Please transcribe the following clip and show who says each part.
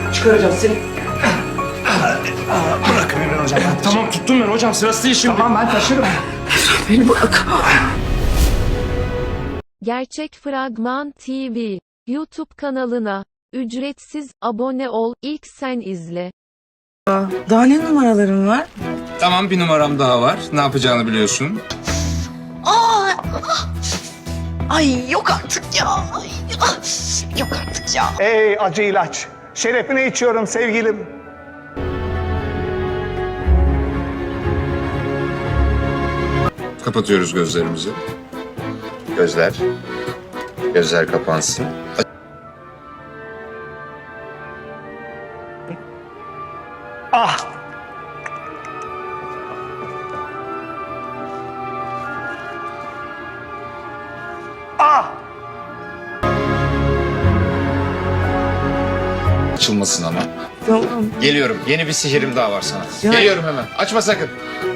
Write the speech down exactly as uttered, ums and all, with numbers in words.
Speaker 1: Çıkaracağım seni.
Speaker 2: Bırakın beni hocam. Ben
Speaker 1: Tamam tuttum ben hocam, sırası değil şimdi.
Speaker 2: Tamam ben taşırım.
Speaker 1: Beni bırak.
Speaker 3: Gerçek Fragman T V YouTube kanalına ücretsiz abone ol, ilk sen izle.
Speaker 4: Daha ne numaraların var?
Speaker 5: Tamam, bir numaram daha var. Ne yapacağını biliyorsun.
Speaker 4: Aa, ay yok artık ya. Ay, ah, yok artık ya.
Speaker 2: Ey acı ilaç. Şerefine içiyorum sevgilim.
Speaker 5: Kapatıyoruz gözlerimizi. Gözler. Gözler kapansın.
Speaker 2: Ah. Ah.
Speaker 5: Açılmasın ama.
Speaker 4: Tamam.
Speaker 5: Geliyorum. Yeni bir sihirim daha var sana.
Speaker 4: Ya-
Speaker 5: Geliyorum hemen. Açma sakın.